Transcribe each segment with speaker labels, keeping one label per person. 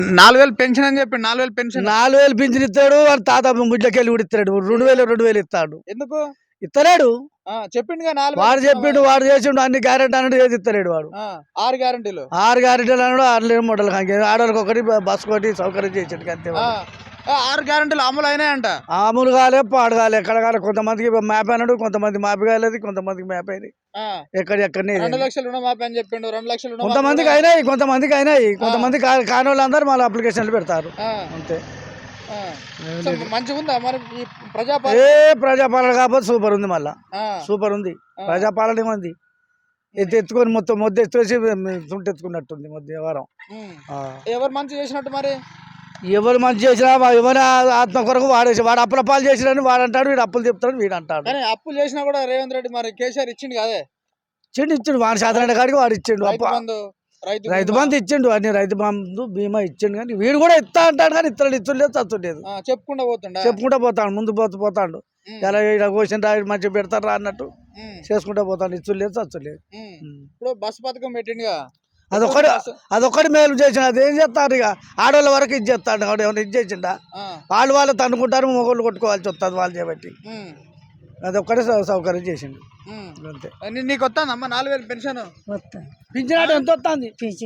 Speaker 1: 4000 pension అని చెప్పి 4000 pension
Speaker 2: 4000 pension ఇస్తాడు. వాడు తాత ముడ్లకెళ్ళి కూడా ఇస్తాడు. 2000 ఇస్తాడు.
Speaker 1: ఎందుకు
Speaker 2: ఇస్తలేడు.
Speaker 1: చెప్పిండుగా
Speaker 2: వాడు చెప్పిండు, వాడు చేసిండు అన్ని గ్యారెంటీ అన్నాడు, ఏది ఇస్తలేడు వాడు.
Speaker 1: 6 గ్యారెంటీలు
Speaker 2: 6 గ్యారెంటీలు అన్నాడు. 6 మోడల్ ఆడవాళ్ళకి ఒకటి, బస్ ఒకటి సౌకర్యం చేసాడు అంతే.
Speaker 1: 6 గ్యారెంటీలు అమలు అయినాయంట.
Speaker 2: అమలు కాలే, పాడు కాలే. ఎక్కడ కాలే. కొంతమందికి మ్యాప్ అన్నాడు, కొంతమంది మ్యాప్ కాలేదు, కొంతమందికి మ్యాప్ అయినాయి. ఎక్కడనే
Speaker 1: 2 లక్షలు రుణమాఫీ అని చెప్పిండు. 2 లక్షలు
Speaker 2: కొంతమందికి అయినాయి, కొంతమందికి అయినాయి. కొంతమంది కాని వాళ్ళందరూ మళ్ళీ అప్లికేషన్లు పెడతారు అంతే.
Speaker 1: మంచిగా ఉందా మరి
Speaker 2: ప్రజాపాలన కాకపోతే సూపర్ ఉంది. మళ్ళా సూపర్ ఉంది. ప్రజాపాలన ఏమంది ఎత్తుకొని మొత్తం మొద్దు ఎత్తేసి తుంటెత్తుకున్నట్టుంది వ్యవహారం.
Speaker 1: ఎవరు మంచి చేసినట్టు మరి?
Speaker 2: ఎవరు మంచి చేసినా ఎవరి ఆత్మ కొరకు వాడేసి, వాడు అప్పుల పాలు చేసినని వాడు అంటాడు, వీడు అప్పులు చెప్తాడు, వీడు అంటాడు.
Speaker 1: అప్పులు చేసినా కూడా రేవంత్ రెడ్డి మరి కేసీఆర్ ఇచ్చిండు కదే.
Speaker 2: ఇచ్చిండు వాడి శాతం కాడికి వాడు ఇచ్చిండు. రైతు బంధు ఇచ్చిండు, అన్ని రైతు బంధు బీమా ఇచ్చిండు. కానీ వీడు కూడా ఇస్తా అంటాడు, కానీ ఇతరులు ఇచ్చులేదు, చచ్చులేదు. చెప్పుకుంటా పోతాడు, ముందు పోతాడు. ఎలా క్వశ్చన్ రాయి మంచిగా పెడతారు రా అన్నట్టు చేసుకుంటా పోతాడు. ఇచ్చులేదు, చచ్చులేదు.
Speaker 1: ఇప్పుడు బస్సు పథకం పెట్టిండుగా,
Speaker 2: అదొక్కటి మేలు చేసిన. అదేం చేస్తారు ఇక ఆడవాళ్ళ వరకు ఇది చేస్తాడు. ఏమైనా ఇది చేసిండా? వాళ్ళు తన్నుకుంటారు, మొగోళ్ళు కొట్టుకోవాల్సి వస్తుంది వాళ్ళు చేయబట్టి. అదొక్కటే సౌకర్యం చేసిండు అంతే.
Speaker 1: నీకు వస్తుందమ్మా 4000 పెన్షన్?
Speaker 2: పింఛన్ ఎంత వస్తుంది?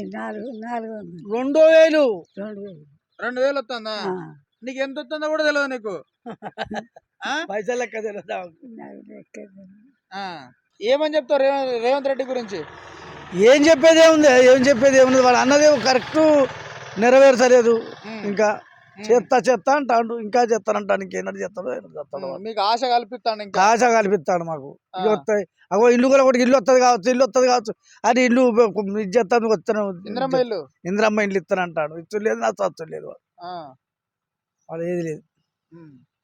Speaker 1: 2000 వస్తుందా? నీకు ఎంత వస్తుందో కూడా తెలియదు నీకు?
Speaker 2: పైసలు లెక్క తెలియదా?
Speaker 1: ఏమని చెప్తావు రేవంత్ రెడ్డి గురించి?
Speaker 2: ఏం చెప్పేది ఏముంది? వాడు అన్నది కరెక్ట్ నెరవేర్చలేదు. ఇంకా చేస్తా అంటాడు, ఇంకా చేస్తానంటాడు. ఇంకేనాడు చేస్తాడు.
Speaker 1: మీకు ఆశ కల్పిస్తాడు,
Speaker 2: ఆశ కల్పిస్తాడు మాకు. ఇల్లు వస్తాయి, అగో ఇల్లు కూడా ఒకటి ఇల్లు వస్తుంది కావచ్చు అది ఇల్లు ఇది చేస్తాను వస్తాను. ఇంద్రమ్మ ఇల్లు ఇస్తానంటాడు. ఇచ్చు లేదు, నా చచ్చు లేదు. వాడు ఏది లేదు.